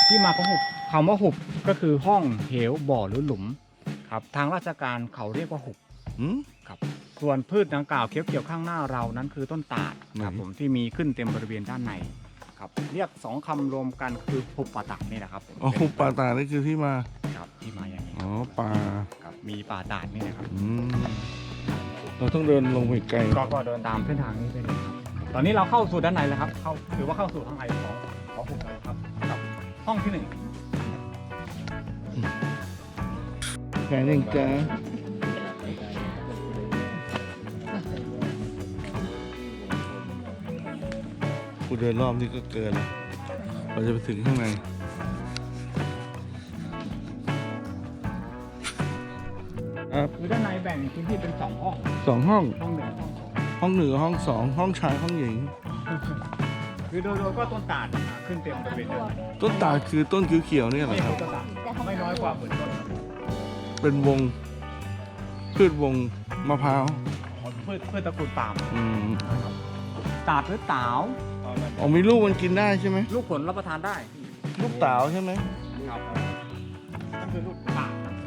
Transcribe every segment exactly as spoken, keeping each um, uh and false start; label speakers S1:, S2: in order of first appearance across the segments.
S1: ที่มาของหุบคำว่าหุบก็คือห้องเหวบ่อหรือหลุมครับทางราชการเขาเรียกว่าหุบครับส่วนพืชดังกล่าวเขียวๆข้างหน้าเรานั้นคือต้นตาดครับผมที่มีขึ้นเต็มบริเวณด้านในครับเรียกสองคำรวมกันคือหุบป่าตาดนี่แหละครับผม
S2: อ๋อหุบป่าตาดนี่คือที่มา
S1: ครับที่มาอย่างนี้
S2: อ๋อป่า
S1: ครับมีป่าตาดนี่นะครับ
S2: อืมเราต้องเดินลงไปไกล
S1: ก็ก็เดินตามเส้นทางนี้ไปเลยครับตอนนี้เราเข้าสู่ด้านในแล้วครับเข้าถือว่าเข้าสู่ข้างในของของหุบแล้วครับกับห้องที่หนึ่ง
S2: แค่นี้จ้ากูเดินรอบนี้ก็เกินแล้วเราจะไปถึงข้างในครับ
S1: คือด้านในแบ่งพื้นที่เป็นสองห้อง
S2: สองห้อง
S1: ห้องหนึ่งห้องสอง
S2: ห้องหนึ่งกับห้องสองห้องชายห้องหญิง
S1: คือโดยโดยก็ต้นตาดขึ้นเต็มบริเวณด้านใน
S2: ต้นตาดคือต้นเขียวๆเนี่ยเหรอ
S1: ไม่
S2: ครับ
S1: ต้นตาดไม่น้อยกว่าหมื่นต้นครับ
S2: เป็นวงพืชวงมะพร้าว
S1: พืชพืชตระกูลปาล์ม
S2: อืม
S1: ตาดหรือตาว
S2: อ๋อมีลูกมันกินได้ใช่ไหม
S1: ลูกผลรับประทานได้
S2: ลูกเต๋าใช่ไหม
S1: ครับนั่นคือลูกตาดครับ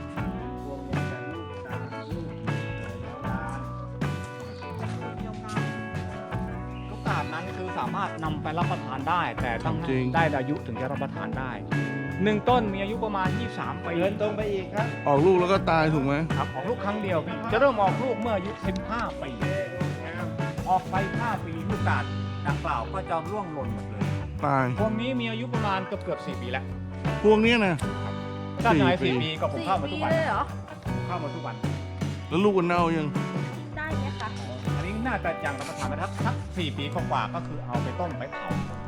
S1: ลูกตาดนั้นคือสามารถนำไปรับประทานได้ แต่ต้องได้อายุถึงจะรับประทานได้หนึ่งต้นมีอายุประมาณยี่สิบสามปี
S3: เดินตรงไปอีกครับ
S2: ออกลูกแล้วก็ตายถูกไหม
S1: ครับออกลูกครั้งเดียวพี่จะเริ่มออกลูกเมื่ออายุสิบห้าปีออกไปห้าปีลูกตาดดังกล่าวก็จะร่วงหล่นหมดเลย
S2: ตาย
S1: พวงนี้มีอายุประมาณเกือบเกือบสี่ปีแล้ว
S2: พวกเนี้ยนะ
S1: ถ้าไหน
S2: สี่
S1: สี่
S2: ปี
S1: ปีก็ผมเข้ามาทุกวัน
S4: เลยเหรอ
S1: เข้ามาทุกวัน
S2: แล้วลูกมันเน่ายัง
S4: ได้ไหมคะ
S1: อันนี้น่าจะยังรับประทานไปทักทักสี่ปีกว่าๆก็คือเอาไปต้มไปเผา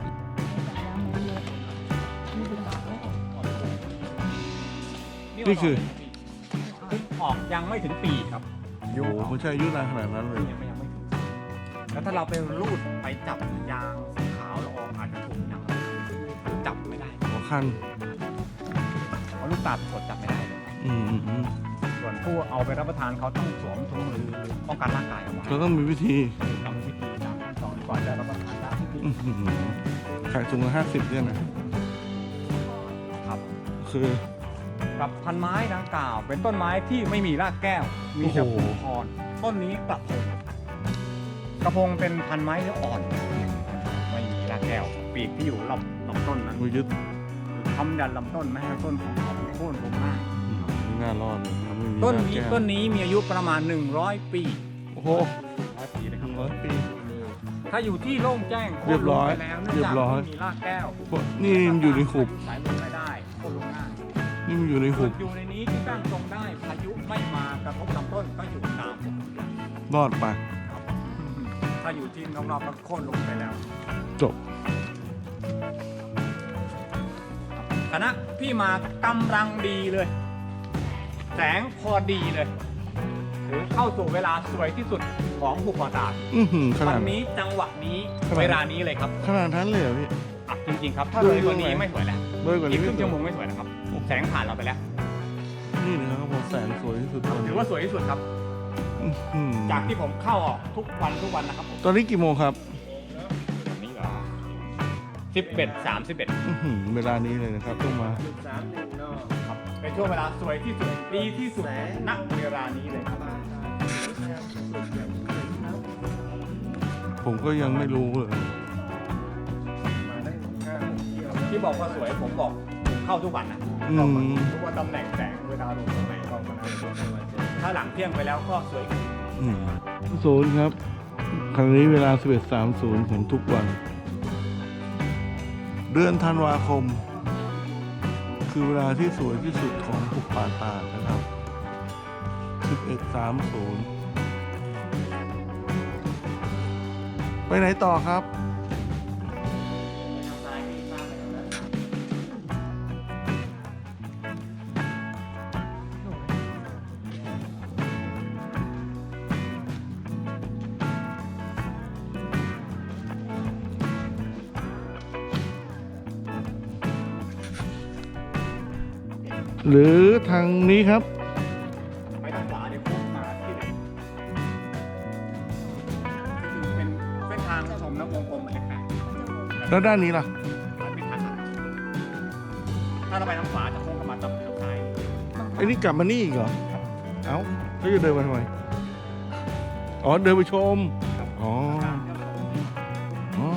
S1: นี่
S2: นี่คือ
S1: คือออกยังไม่ถึงปีครับ
S2: โอ้โหไม่ใช่อายุนานขนาดนั้นเลย
S1: ยังไม่ยังไม่ถึงแล้วถ้าเราไปรูดไปจับยางสีขาวละอองอาจจะถูกยางจับไม่ได้
S2: หัวคัน
S1: เพราะลูกตาลสดจับไม่ได้เลย
S2: อืมอืมอืม
S1: ส่วนผู้เอาไปรับประทานเขาต้องสวมถุงมือป้องกันร่างกายเอาไว้
S2: เราต้องมีวิธี
S1: ทำวิธีตามขั้นตอนก่อนจะรับประทานได้
S2: อื้อหือขายถุงละห้าสิบเนี่ยนะ
S1: ครับ
S2: คือ
S1: กับพันไม้ดังกล่าว เป็นต้นไม้ที่ไม่มีรากแก้ว มีแต่
S2: โอ้โห
S1: ผลคอนต้นนี้กระพงกระพงเป็นพันไม้เนื้ออ่อน ไม่มีรากแก้ว ปีกที่อยู่รอบลำต้นนั้น
S2: มือยึด
S1: ทำยันลำต้นไม่ให้ต้นของเขาโค่นลงมา
S2: อืมไม่น่ารอดเลยมันไม่มี
S1: ต้น
S2: ราก
S1: นี้
S2: แก้ว
S1: ต้นนี้มีอายุประมาณหนึ่งร้อยปี
S2: โอ้โห
S1: ร้อยปีเลยครับ
S2: ร้อยปี
S1: ถ้าอยู่ที่โล่งแจ้ง
S2: เรียบร้อย
S1: โค่นลงไปแล้วเนื่อง
S2: เรีย
S1: จาก
S2: บร้อย
S1: ไม่มีรากแก้ว
S2: นี่มันอยู่ในหุบ
S1: สายลมไม่ได้โค่นลงง่าย
S2: นี่มันอยู่ในหุบ
S1: อยู่ในนี้ที่ตั้งตรงได้พายุไม่มากระทบลำต้นก็อยู่ตามปกติ
S2: รอดไป
S1: ครับถ้าอยู่ที่นอกๆก็โค่นลงไปแล้ว
S2: จบ
S1: คณะพี่มากำลังดีเลย แสงพอดีเลยถือเข้าสู่เวลาสวยที่สุดของหุบป่าตาด
S2: อือหือข
S1: วั
S2: นาด
S1: นนี้จังหวะนี้
S2: ขนาด
S1: เวลานี้เลยครับ
S2: ขนาดนั้นเลยเหรอพี่
S1: อ่ะจริงๆครับ ถ้าเลยกว่านี้ไม่สวยแล้ว
S2: เลยกว่า
S1: อี
S2: นี้
S1: กค
S2: ไม่
S1: รึ่ง
S2: ส
S1: ชั่
S2: ว
S1: วย โมงไม่สวยนะครับ แสงผ่านเราไปแล้ว
S2: นี่นะครับผมแสงสวยที่สุดตอน
S1: ถื
S2: นี้
S1: อว่าสวยที่สุดครับ
S2: อื้อหือ
S1: จากที่ผมเข้าออกทุกวันทุกวันนะครับผม
S2: ตอนนี้กี่โมงครับ
S1: วันนี้เหรอสิบเอ็ดสามสิบเอ็ด
S2: อื้อหือเวลานี้เลยนะครับต้องมา
S3: สามหนึ่งเนาะ
S1: ครับเป็นช่วงเวลาสวยที่สุดดีที่สุดณเวลานี้เลยครับ
S2: ผมก็ยังไม่รู้เลย
S3: มาได้ห้าหกเที่ยว
S1: ที่บอกว่าสวยผมบอกผมเข้าทุกวันนะ
S2: อืม
S1: บอกว่ารู้ว่าตำแหน่งแสงเวลาลงตรงไหนก็ประมาณนั้นถ้าหลังเที่ยงไปแล้วก็สวยขึ้น
S2: อืมศูนย์ครับครั้งนี้เวลา สิบเอ็ดสามสิบ ของทุกวัน เดือนธันวาคม คือเวลาที่สวยที่สุดของหุบป่าตาดนะครับ สิบเอ็ดสามสิบ ไปไหนต่อครับ หรือทางนี้ครับ
S1: ไปทางขวาเดี๋ยวพุ่งมาที่ไหนก็คือเป็นเส้นทางชมนะวงกลมเหมือนกัน
S2: แล้วด้านนี้ล่ะ
S1: มันเป็นทางาเราไปทางขวาจะโค้งกลับมาทางซ้าย
S2: ไอ้นี่กลับมานี่อีกเหรอ เอ้าแล้วจะเดินมาทำไม อ๋อ เดินไปชม อ๋อ อ๋อ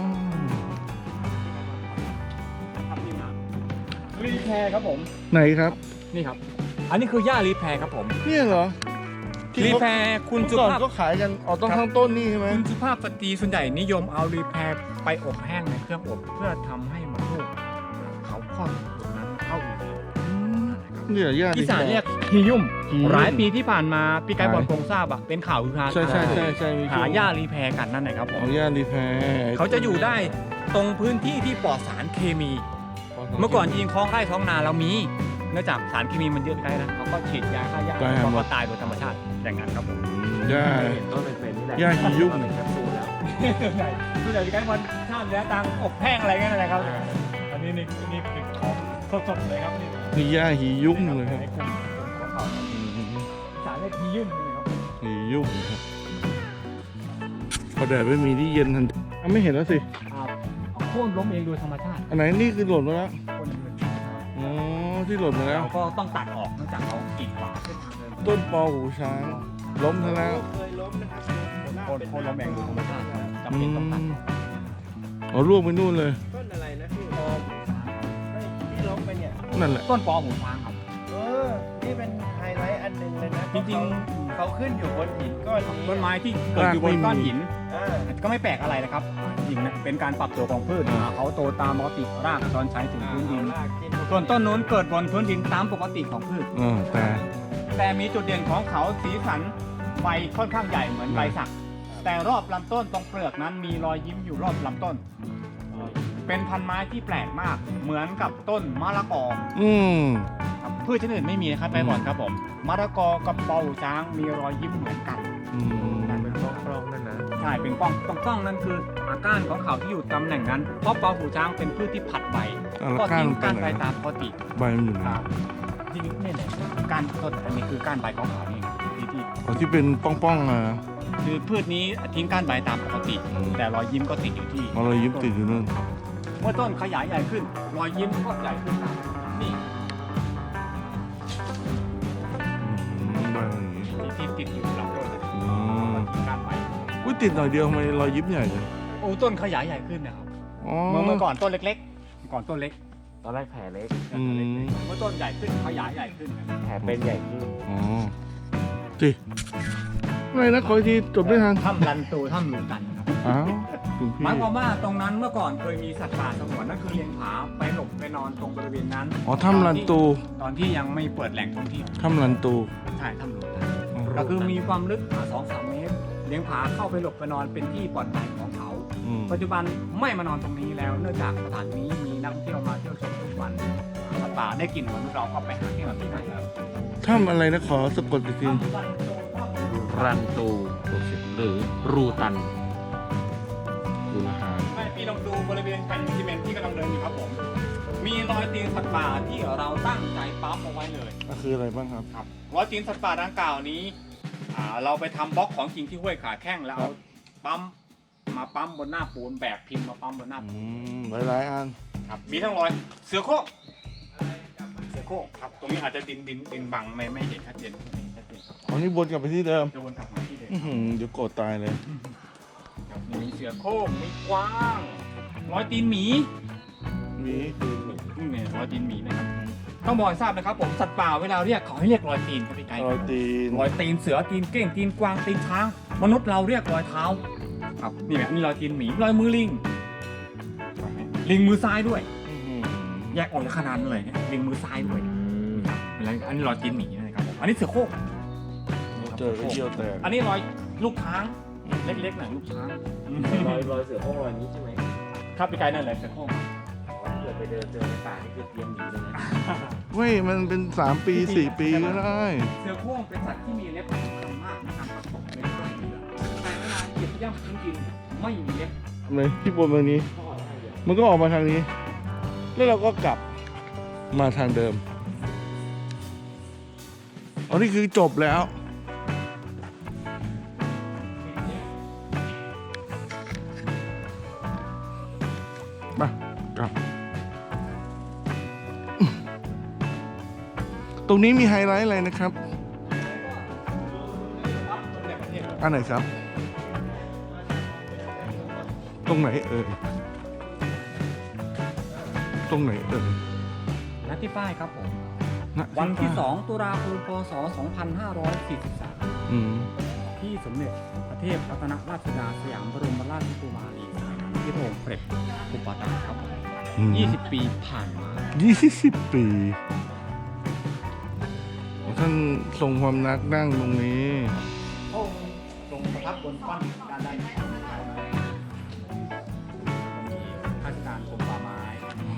S1: ครับนี่นะรีแพร์ครับผม
S2: ไหนครับ
S1: นี่ครับ อันนี้คือหญ้ารีแพร์ครับผม
S2: เนี่ยเหรอที่
S1: รี
S2: เขา
S1: แพร์คุณ
S2: เมื่อ
S1: สุ
S2: ก่อน
S1: ภาพ
S2: ก็ขายกันอ๋อต้องข้างต้นนี่ใช่ไหม
S1: คุณสุภาพสตรีส่วนใหญ่นิยมเอารีแพร์ไปอบแห้งในเครื่องอบเพื่อทำให้มันลูกเขาคลอดลูกนั้นเข้าอู่
S2: เนี่ยญาติ
S1: อีสานเรียกฮิยุ่ม
S2: ฮิยุ่ม
S1: หลายปีที่ผ่านมาปีกาย
S2: ใช่
S1: บอลโครงทราบอะเป็นข่าวฮือฮา
S2: ใช่ใช่ใช่ใช่มี
S1: หาหญ้ารีแพร์กันนั่นแหละครับผม
S2: เอาญาติรีแพร์
S1: เขาจะอยู่ได้ตรงพื้นที่ที่ปลอดสารเคมี เมื่อก่อนยิงคลองไร่ท้องนาเรามีเนื่องจากสารเคมีมันเยอะไกลนะเขาก็ฉีดยาฆ่าหญ้าเขาก็ตายโดยธรรมชาติอย่างนั้นครับผม
S2: ญาติ
S3: เห็นต้นเป็นๆนี่แหละ
S2: ญาติฮิยุ่ม
S3: เป็นแคปซูลแล้ว
S1: ส่วนใหญ่ปีกายบอลท่ามเนื้อตังอบแห้งอะไรกันอะไรครับอันนี้นี่นี่คือของสดๆเลยครับนี่
S2: นี่ญาติฮิยุ่มเลยครับ
S1: ในกลุ่มของเขาสารเรียกฮิยุ่มเลยครับ
S2: ฮิยุ่มครับพอแดดไม่มีที่เย็นทันทีอ่ะไม่เห็นแล้วสิ
S1: อ่าโค่นล้มเองโดยธรรมชาติ
S2: อันไหนนี่คือหล่นมาแล้ว
S1: โค่นเองโดยธรรมชาติ
S2: อ๋อ ที่หล่นมาแล้ว
S1: เราก็ต้องตัดออกเนื่องจากเขากีดขวางเส้นทางเดิน
S2: ต้นปอหูช้าง ล้มซะแล้ว
S3: เคยล้มนะครับ
S1: โค่นโค่นล้มเองโดยธรรมชาติครับจำ
S2: อื
S1: เป็นต้องตัด
S2: มอ๋อล่วงไปนู่นเลย
S3: ต้นอะไรนะพี่ออมไม่ที่ล้มไปเนี่ย
S2: นั่นแหละ
S1: ต้นปอหูช้างครับ
S3: เออ นี่เป็นไฮไลท์อันหนึ่งเลยนะ
S1: จริง
S3: ๆเขาขึ้นอยู่บนหินก้อนนี้
S1: ต้นไม้ที่เกิดอยู่บนก้อนหิน
S3: อ่า
S1: ก็ไม่แปลกอะไรนะครับจริงนะเป็นการปรับตัวของพืชอ่าเขาโตตามปกติรากตอนใช้ถึงพื้นดิน
S3: เอาลากกิน
S1: ส่วนต้นนู้นเกิดบนพื้นดินตามปกติของพืช
S2: เออแต่
S1: แต่มีจุดเด่นของเขาสีสันใบค่อนข้างใหญ่เหมือนใบสัก แต่รอบลำต้นตรงเปลือกนั้นมีรอยยิ้มอยู่รอบลำต้น เป็นพันไม้ที่แปลกมาก เหมือนกับต้นมะละกอ
S2: อืม
S1: ครับพืชชนิดอื่นไม่มีนะครับไปก่อนครับผมมะละกอกับเปาช้างมีรอยยิ้มเหมือนกัน
S2: อืม
S3: เป็นกล้องๆนั่นนะ
S1: ใช่เป็นป้องป้องป้องนั่นคืออาก้านของเขาที่อยู่ตำแหน่งนั้นเพราะเปาหูช้างเป็นพืชที่ผัดใบ
S2: อ่ะแล้ว
S1: ก็
S2: ก้าน
S1: ทิ้ง
S2: มันไป
S1: ก้าน
S2: ไหน
S1: ใบตามปกติ
S2: ใบมันอยู่ไหน
S1: ครับจริงๆนี่แหละก้านต้นอันนี้คือก้านใบของเขานี่ที่ที่
S2: อ๋อที่เป็นป้องๆมา
S1: คือพืชนี้ทิ้งก้านใบตามปกติ
S2: อืม
S1: แต่รอยยิ้มก็ติดอยู่ที่
S2: มาเลยยิ้มติดอยู่นู่น
S1: เมื่อต้นขยายใหญ่ขึ้น รอยยิ้มก็ใหญ่ขึ้นตามนี่
S2: อืมใบมันอย่างงี้
S1: ที่ที่ติดอยู่ลำต้นนะ
S2: อืม
S1: ทิ้งก้านใบ
S2: อุ้ยติดหน่อยเดียวทำไมรอยยิ้มใหญ่เลย
S1: โอ้ต้นขยายใหญ่ขึ้นนะครับ
S2: อ๋อ
S1: เมื่อเมื่อก่อนต้นเล็กๆ ก่อนต้นเล็ก
S3: ตอนแรกแผลเล็ก
S2: อืม
S1: เมื่อต้นใหญ่ขึ้นขยายใหญ่ขึ้น
S3: แผลเป็นใหญ่ขึ้น
S2: อ๋อสิไม่นะขออีกทีจบไม่ทัน
S1: ถ้ำลันตูถ้ำหลูตันครับ
S2: อ้าวคุณพี่
S1: หมายความว่าตรงนั้นเมื่อก่อนเคยมีสัตว์ป่าสงวนนั่นคือเลียงผาไปหลบไปนอนตรงบริเวณนั้น
S2: อ๋อถ้ำลันตู
S1: ตอนที่ยังไม่เปิดแหล่งท่องเที่ยว
S2: ถ้ำลันตู
S1: ใช่ถ้ำหลูตันก็คือมีความลึกสองสามเมตร เลียงผาเข้าไปหลบไปนอนเป็นที่ปลอดภัยของเขา
S2: อืม
S1: ปัจจุบันไม่มานอนตรงนี้แล้ว เนื่องจากสถานนี้มีนักท่องเที่ยวมาเที่ยวชมทุกวันสัตว์ป่าได้กลิ่นมนุษย์เราก็ไปหาที่แบบนี้ได้ครับ
S2: ถ้ำอะไรนะขอสะกดอีกที
S1: ถ้ำลันตูถ้ำ
S3: รันตูหรือรูตัน
S2: ดูอาหาร
S1: ไม่พี่ลองดูบริเวณแผ่นซีเมนต์ที่กำลังเดินอยู่ครับผม มีรอยตีนสัตว์ป่าที่เราตั้งใจปั๊มเอาไว้เลย
S2: ก็คืออะไรบ้างครับ
S1: ครับรอยตีนสัตว์ป่าดังกล่าวนี้อ่าเราไปทำบล็อกของจริงที่ห้วยขาแข้งแล้วเอาปั๊มมาปั๊มบนหน้าปูนแบบพิมพ์มาปั๊มบนหน้า
S2: อื
S1: ปูน
S2: มหลายๆอัน
S1: ครับมีทั้งรอยเสือโคร่งเสือโคร่งครับตรงนี้อาจจะดินดินดินบังไม่ไม่เห็นชัดเจนไม่เห็นชัดเจนครับ
S2: อ๋อนี่วนกลับไปที่เดิม
S1: จะวนกลับมาที่เดิม
S2: อื้อหือเดี๋ยวโกรธตายเลย
S1: ครับมีเสือโคร่งมีกวางรอยตีนหมี
S2: มี
S1: นี่ไงรอยตีนหมีนะครับต้องบอกให้ทราบนะครับผมสัตว์ป่าเวลาเรียกเขาให้เรียกรอยตีนครับพี่ไก่
S2: รอยตีน
S1: รอยตีนเสือตีนเก้งตีนกวางตีนช้าง มนุษย์เราเรียกรอยเท้าครับนี่แหละนี่รอยตีนหมีรอยมือลิงลิงมือซ้ายด้วย
S2: อื้อหือ
S1: แยกออกจากขนาดนั้นเลยเนี่ยลิงมือซ้ายด้วยครับแล้วอันนี้รอยตีนหมีนะครับผมอันนี้เสือโคร่ง
S2: เจอก็เยี่ยวแตก
S1: อันนี้รอยลูกช้างเล็กๆหน่อยลูกช้าง
S3: รอยรอยเสือโคร่งรอยนี้ใช่ไหม
S1: ครับพี่ไก่นั่นเลยเสือโคร่ง
S3: ถ้าเกิดไปเดินเจอในป่านี่คือเตรียมหนีเลยนะ
S2: เว้ยมันเป็นสามปีสี่ปีก็ได้
S1: เสือโคร่งเป็นสัตว์ที่มีเล็บสำคัญมากในการประกบในช่วยเหลือแต่เวลาเหยียบย่ำพื้นดินไม่มีเล็บ
S2: เลยที่บนแบบนี้
S3: ก็ออกได้เลย
S2: มันก็ออกมาทางนี้ แล้วเราก็กลับมาทางเดิมอ๋อนี่คือจบแล้วมากลับตรงนี้มีไฮไลท์อะไรนะครับ อันไหนครับ ตรงไหนเอ่ย ตรงไหนเอ่ย
S1: นัดที่ป้ายครับผม
S2: ณ
S1: วันที่
S2: ป้า
S1: สองตุลาคมพศสองพันห้าร้อยสี่สิบสาม
S2: อืม
S1: ที่สมเด็จพระเทพรัตนราชสุดาสยามบรมราชกุมารีสยามที่พระองค์เสด็จอุปถัมภ์ครับผม
S2: อืม
S1: ยี่สิบปีผ่านมา
S2: ยี่สิบปีท่านทรงความนักนั่งตรงนี้
S1: พระองค์ทรงประทับบนก้อนหินด้านด้านขวามีข้าราชการกรมป่าไม้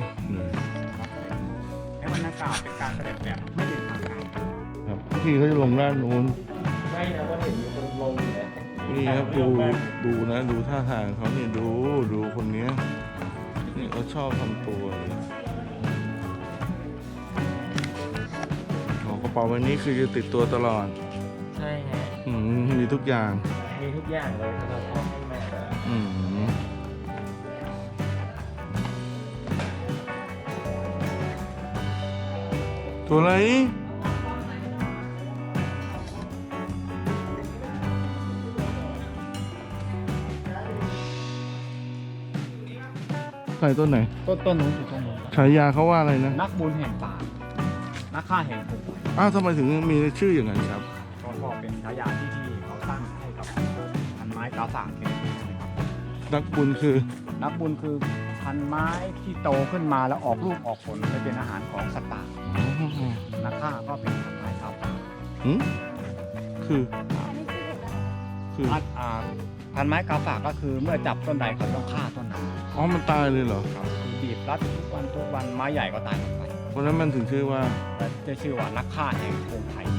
S1: ให้บรรยากาศเป็นการเสด็จแบบไม่เป็นทางการ
S2: ครับพี่เขาจะลงด้านนู้น
S3: ไม่นะว่าเห็นมีคนลงอยู่นะ
S2: นี่ครับดูดูนะ ดูท่าทางเขาเนี่ยดูดูคนเนี้ยนี่เขาชอบทำตัวเลยอ๋อกระเป๋าใบนี้คือจะติดตัวตลอด
S3: ใช่ฮะ
S2: อืมมีทุกอย่าง
S3: มีทุกอย่างเลยสำหรับพ่อให้แม่
S2: อืมตัวอะไรใส่ต้นไหน
S1: ต้นต้นนู้นอยู่ตรงนู้น
S2: ฉายาเขาว่าอะไรนะ
S1: นักบุญแห่งป่า นักฆ่าแห่งภู
S2: อ้าวทำไมถึงมีชื่ออย่างนั้นครับ
S1: ก็ก็เป็นฉายาที่ที่เขาตั้งให้กับพันไม้กาฝากชนิดนี้นะครับ
S2: นักบุญคือ
S1: นักบุญคือพันไม้ที่โตขึ้นมาแล้วออกลูกออกผลไปเป็นอาหารของสัตว์ป่า นักฆ่าก็เป็นพันไม้กาฝาก
S2: หืมคือ คือ
S1: อ่าอ่าพันไม้กาฝากก็คือเมื่อจับต้นใดเขาต้องฆ่าต้นนั้น
S2: อ๋อ มันตายเลยเหรอ
S1: ครับคือบีบรัดทุกวันทุกวันไม้ใหญ่ก็ตายหมดไป
S2: เพราะฉะนั้นมันถึงชื่อว่า
S1: และจะชื่อว่านักฆ่าแห่งภูไทย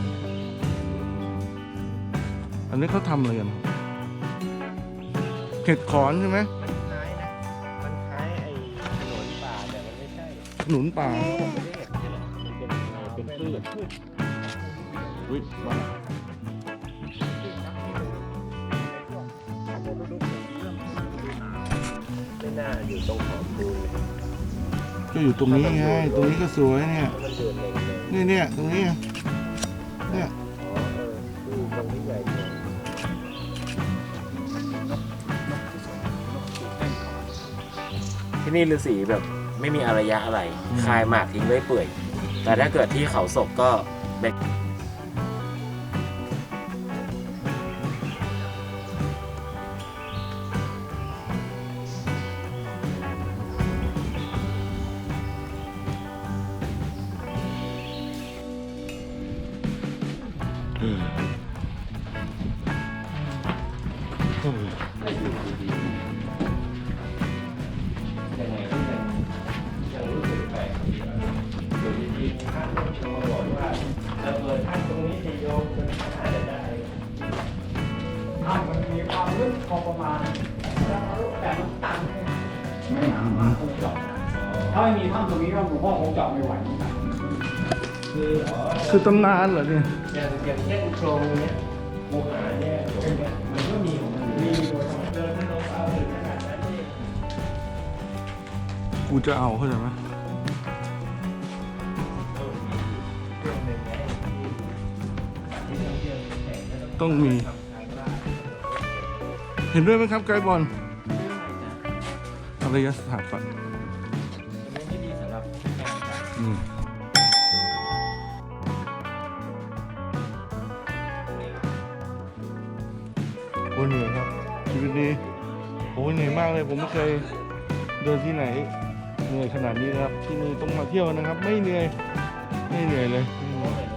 S2: อันนี้เขาทำอะไรกัน เห็ดขอนใช่ไหม
S3: มันคล้ายนะ มันคล้ายไอ้ถนนป่าแต่มันไม่ใช่
S2: หนุนป่า
S3: ผมไม่ได้เห็นหรอกมันเป็นเป็นพืชพืช
S2: อุ้ยมา
S3: ไม่น่าอยู่ตรงขอบปูน
S2: ก็อยู่ตรงนี้ไง ตรงนี้ก็สวยเนี่ย
S3: มันเดือดเลยเลย
S2: นี่เนี่ยตรงนี้ เนี่ย
S3: อ๋อเออคือตรงนี้ใหญ่กว่า ที่นี่ฤาษีแบบไม่มีอารยะอะไร คายหมากทิ้งไว้เปื่อย แต่ถ้าเกิดที่เขาศกก็เป็น
S2: อืมโอ้ย
S3: ยังไงก็ยังยังรู้สึกแปลกอยู่ดีๆท่านก็โชว์บอกว่าระเบิดท่านตรงนี้จะโยงจนท่านจะได้
S1: ถ้ามันมีความลึกพอประมาณแต่มันตันไม่หนามากคงเจาะถ้าไม่มีถ้ำตรงนี้ก็หลวงพ่อคงเจาะไม่ไหวเหมือนกัน
S3: คืออ๋อ
S2: คือตำนานเหรอเนี่ย
S3: อย่างอย่างเช่นโครงเนี้ยโมหะเนี่ยโครงเนี้ยมันก็มีของมันอยู่
S1: มี
S3: ดี
S1: โดยธรรมชาติ
S3: เดินถนนเอาถึงขนาดนั้นนี่
S2: กูจะเอาเข้าใจไหม
S3: เรื่องหนึ่งไงที่ที่ท่องเที่ยวแห่งก็
S2: ต้องมี
S3: ทำการบ้าน
S2: เห็นด้วยไหมครับไกด์บอลอารยสถาปัตย์
S3: มันไม่ดีสำหรับการจัด
S2: อืมโอ้เหนื่อยครับ ชีวิตนี้โอ้เหนื่อยมากเลย ผมไม่เคยเดินที่ไหนเหนื่อยขนาดนี้นะครับ ที่นี่ต้องมาเที่ยวนะครับ ไม่เหนื่อย ไม่เหนื่อยเลย
S3: เพราะเหมือน